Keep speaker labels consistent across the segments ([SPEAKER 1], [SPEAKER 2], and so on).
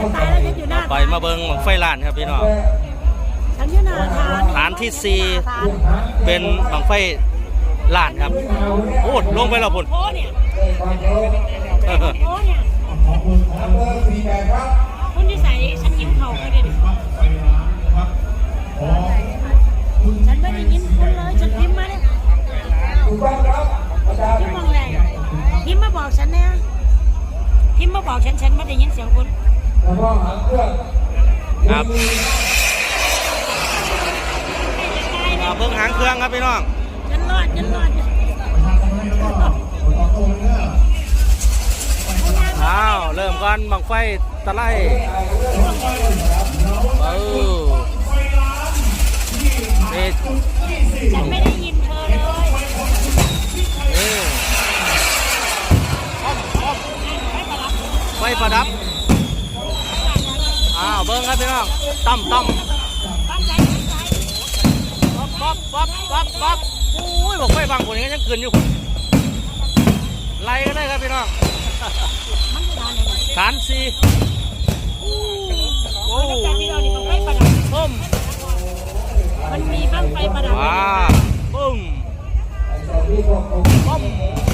[SPEAKER 1] ฉันตายแล้วฉันอยู่หน้า
[SPEAKER 2] ไปมาเบิ้งบังไฟล้านครับพี่น้อง
[SPEAKER 1] ฉันอยู่หน้า
[SPEAKER 2] ฐานที่4เป็นบังไฟล้านครับโอ้ลงไปแล้วพุ่น
[SPEAKER 1] โอ้เนี่ยโอ้เนี่ยคุณที่ใส่ฉันยิ้มเขาก็ได้ดิฉันไม่ได้ยิ้มคุณเลยฉันยิ้มมาเนี่ยยิ้มมองแรงยิ้มมาบอกฉันเนี่ยยิ้มมาบอกฉันไม่ได้ยินเสียงคุณ
[SPEAKER 2] ครับเบิ้งหางเครื่องครับพี่น้อง
[SPEAKER 1] ฉันรอด
[SPEAKER 2] อ้าวเริ่มก่อนบังไฟตะไล
[SPEAKER 1] ฉันไม่ได้ยินเธอเลย
[SPEAKER 2] ไฟประดับอ้าวเบิ้งครับพี่น้องตั้มป๊อบโอ้ยบอกไฟบางคนนี้ยังเกินอยู่ไล่กันได้ครับพี่น้องฐาน4โอ้ปุ้ม
[SPEAKER 1] มันมีบ้างไฟประดับ
[SPEAKER 2] ว้าปุ้มปุ้ม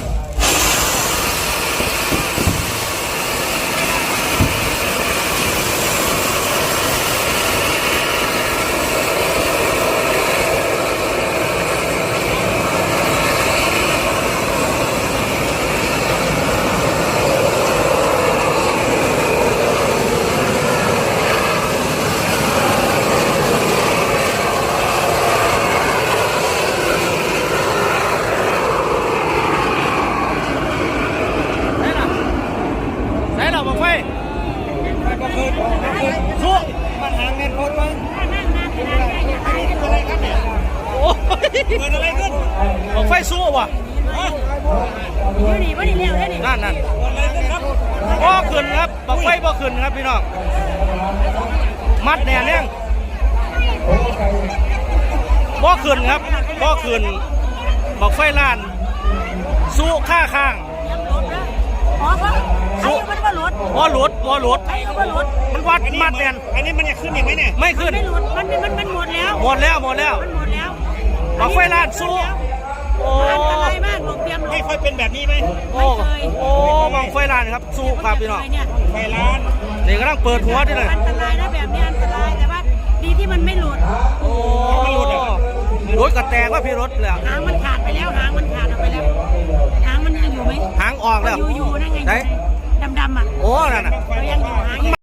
[SPEAKER 2] สู้มันหางเงินโคตรมั้งอะไรครับเนี่ยโอ้ยเกิดอะไรขึ้นบอกไฟสู้ว่ะนั่นบ่ขึ้นครับบอกไฟบ่ขึ้นครับพี่น้องมัดแน่นยังบ่ขึ้นครับบ่ขึ้นบอกไฟล้านสู้ข้าข้างบ่หลุดมันวัดมัดแน่น
[SPEAKER 3] อันนี้มันจะขึ้นอีกไหมเนี่ย
[SPEAKER 2] ไม่ขึ้น
[SPEAKER 1] มันหมดแล้ว
[SPEAKER 2] บังไฟล้านสู้โอ้
[SPEAKER 1] อันตรายมากบอกเตรียม
[SPEAKER 3] ไม่ค่อยเป็นแบบนี้ไหม
[SPEAKER 2] โอ้บังไฟล้านครับสู้ครับพี่น้อง
[SPEAKER 3] ไฟล้าน
[SPEAKER 2] นี่กำลังเปิดหัวดิเลย
[SPEAKER 1] อันตรายนะแบบนี้อันตรายแต่ว่าดีที่มันไม่หลุด
[SPEAKER 2] โอ้รถกระแตกว่าพี่รถเลย
[SPEAKER 1] หางมันขาดไปแล้วหางมันขาดออกไปแล้วหางมันยังอยู่ไหม
[SPEAKER 2] หางออกแล้ว
[SPEAKER 1] อยู่นั่นไงดำอ่ะ
[SPEAKER 2] โอ้นั่นน่ะ
[SPEAKER 1] ยังอยู่หาง